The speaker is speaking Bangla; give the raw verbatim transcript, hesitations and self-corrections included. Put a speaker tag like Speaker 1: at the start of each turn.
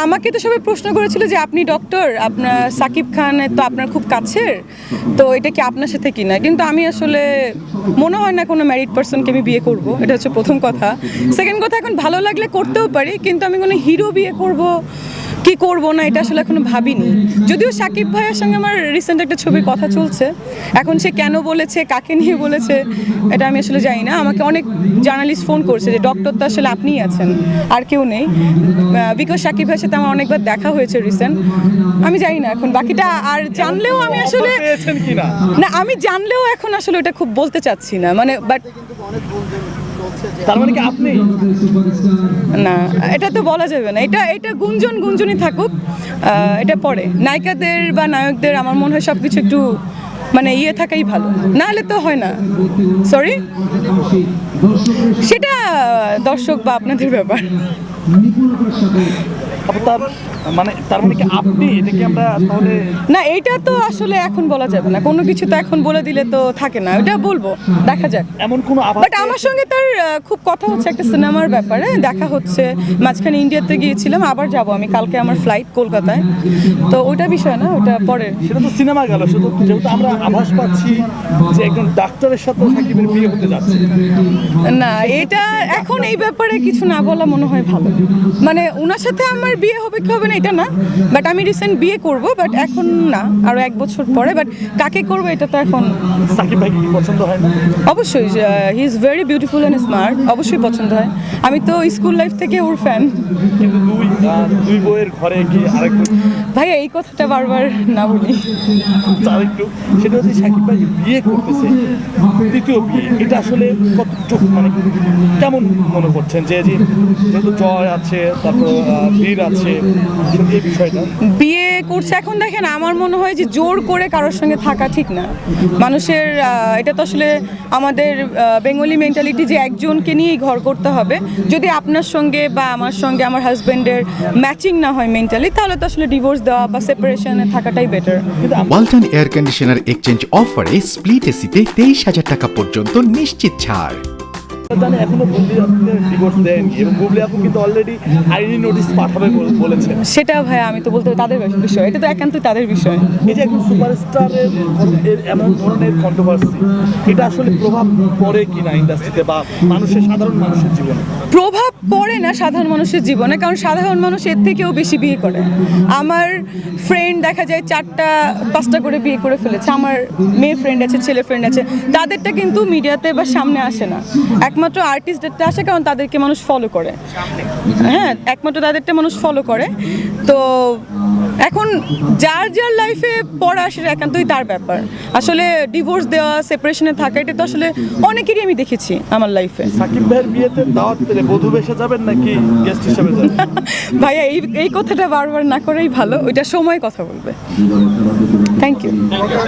Speaker 1: আমাকে তো সবাই প্রশ্ন করেছিল যে আপনি ডক্টর, আপনার সাকিব খান তো আপনার খুব কাছের, তো এটা কি আপনার সাথে কিনা। কিন্তু আমি আসলে মনে হয় না কোনো ম্যারিড পার্সনকে আমি বিয়ে করব, এটা হচ্ছে প্রথম কথা। সেকেন্ড কথা, এখন ভালো লাগলে করতেও পারি, কিন্তু আমি কোনো হিরো বিয়ে করব কি করব না এটা আসলে এখনো ভাবিনি। যদিও সাকিব ভাইয়ের সঙ্গে আমার রিসেন্ট একটা ছবির কথা চলছে, এখন সে কেন বলেছে, কাকে নিয়ে বলেছে, এটা আমি আসলে জানি না। আমাকে অনেক জার্নালিস্ট ফোন করছে যে ডক্টর তো আসলে আপনিই আছেন, আর কেউ নেই, বিকজ সাকিব ভাইয়ের সাথে আমার অনেকবার দেখা হয়েছে রিসেন্ট। আমি জানি না এখন বাকিটা, আর জানলেও আমি আসলে না, আমি জানলেও এখন আসলে এটা খুব বলতে চাচ্ছি না, মানে বাট
Speaker 2: তার মানে কি আপনি
Speaker 1: না, এটা তো বলা যাবে না। এটা এটা গুঞ্জন গুঞ্জনই থাকুক, এটা পরে নায়িকাদের বা নায়কদের আমার মনে হয় সব কিছু একটু মানে ইয়ে থাকাই ভালো, না হলে তো হয় না। সরি, সেটা দর্শক বা আপনাদের ব্যাপার।
Speaker 2: তার মানে তার মানে কি আপনি এটা কি আমরা তাহলে
Speaker 1: না, এটা তো আসলে এখন বলা যাবে না, কোনো কিছু তো এখন বলে দিলে তো থাকে না, ওটা বলবো, দেখা যাক।
Speaker 2: এমন কোনো আভাস,
Speaker 1: বাট আমার সঙ্গে তার খুব কথা হচ্ছে একটা সিনেমার ব্যাপারে, দেখা হচ্ছে, মাঝখানে ইন্ডিয়াতে গিয়েছিলাম, আবার যাব আমি, কালকে আমার ফ্লাইট কলকাতায়, তো ওটা বিষয় না, ওটা পরে।
Speaker 2: সেটা তো সিনেমা গেল, শুধু যেহেতু আমরা আভাস পাচ্ছি যে একজন ডাক্তারের সাথে সাকিবের বিয়ে হতে যাচ্ছে।
Speaker 1: না, এটা এখন এই ব্যাপারে কিছু না বলা মনে হয় ভালো। মানে ওনার সাথে আমার বিয়ে হবে কি হবে না এটা না, বাট আমি রিসেন্ট বিয়ে করব, বাট এখন না, আরো এক বছর পরে। বাট কাকে করবো এটা তো এখন।
Speaker 2: সাকিব ভাই কি পছন্দ হয় না?
Speaker 1: অবশ্যই, he is very beautiful and smart, অবশ্যই পছন্দ হয়। আমি তো স্কুল লাইফ থেকে ওর ফ্যান।
Speaker 2: কিন্তু দুই দুই বইয়ের ঘরে কি আরেক
Speaker 1: ভাইয়া এই কথাটা বারবার না বলি।
Speaker 2: আরেকটু সেটা হচ্ছে সাকিব ভাই বিয়ে করতেছে, তৃতীয় বিয়ে, এটা আসলে কতটুকু মানে কেমন মনে করছেন? যে যেহেতু জয় আছে, তারপর বীর আছে, এই বিষয়টা
Speaker 1: বিয়ে করছে, এখন দেখেন আমার মনে হয় যে জোর করে কারোর সঙ্গে থাকা ঠিক না। মানুষের এটা তো আসলে আমাদের বেঙ্গলি মেন্টালিটি যে একজনকে নিয়েই ঘর করতে হবে। যদি আপনার সঙ্গে বা আমার সঙ্গে আমার হাজব্যান্ডের ম্যাচিং না হয় মেন্টালি, তাহলে তো আসলে ডিভোর্স দেওয়া বা সেপারেশনে থাকাটাই better.
Speaker 3: Walton air conditioner exchange অফারে স্প্লিট এসিতে তেইশ হাজার টাকা পর্যন্ত নিশ্চিত ছাড়।
Speaker 2: জানি এখনো বুবলি আপুকে ডিভোর্স দেয়নি, এবং বুবলি আপু কিন্তু অলরেডি আইনি নোটিশ পাঠাবে বলেছেন।
Speaker 1: সেটা ভাই আমি তো বলতে তাদের বিষয়, এটা তো একান্তই তাদের বিষয়।
Speaker 2: এই যে একজন সুপারস্টারের এমন ধরনের কন্ট্রোভার্সি, এটা আসলে প্রভাব পড়ে কিনা ইন্ডাস্ট্রিতে বা মানুষের সাধারণ মানুষের জীবনে?
Speaker 1: প্রভাব পড়ে না সাধারণ মানুষের জীবনে, কারণ সাধারণ মানুষ এর থেকেও বেশি বিয়ে করে। আমার ফ্রেন্ড দেখা যায় চারটা পাঁচটা করে বিয়ে করে ফেলেছে, আমার মেয়ে ফ্রেন্ড আছে, ছেলে ফ্রেন্ড আছে, তাদেরটা কিন্তু মিডিয়াতে বা সামনে আসে না। একমাত্র আর্টিস্টদেরটা আসে, কারণ তাদেরকে মানুষ ফলো করে। হ্যাঁ, একমাত্র তাদেরটা মানুষ ফলো করে। তো এখন যার যার লাইফে পড়া সেটা একান্তই তার ব্যাপার। আসলে ডিভোর্স দেওয়া, সেপারেশনে থাকা, এটা তো আসলে অনেকেরই আমি দেখেছি আমার লাইফে।
Speaker 2: সাকিব ভাইয়ের বিয়েতে দাওয়াত পেলে বধূ বেশে যাবেন নাকি গেস্ট হিসেবে যাবেন?
Speaker 1: ভাইয়া এই এই কথাটা বারবার না করেই ভালো, ওইটা সময় কথা বলবে। Thank you.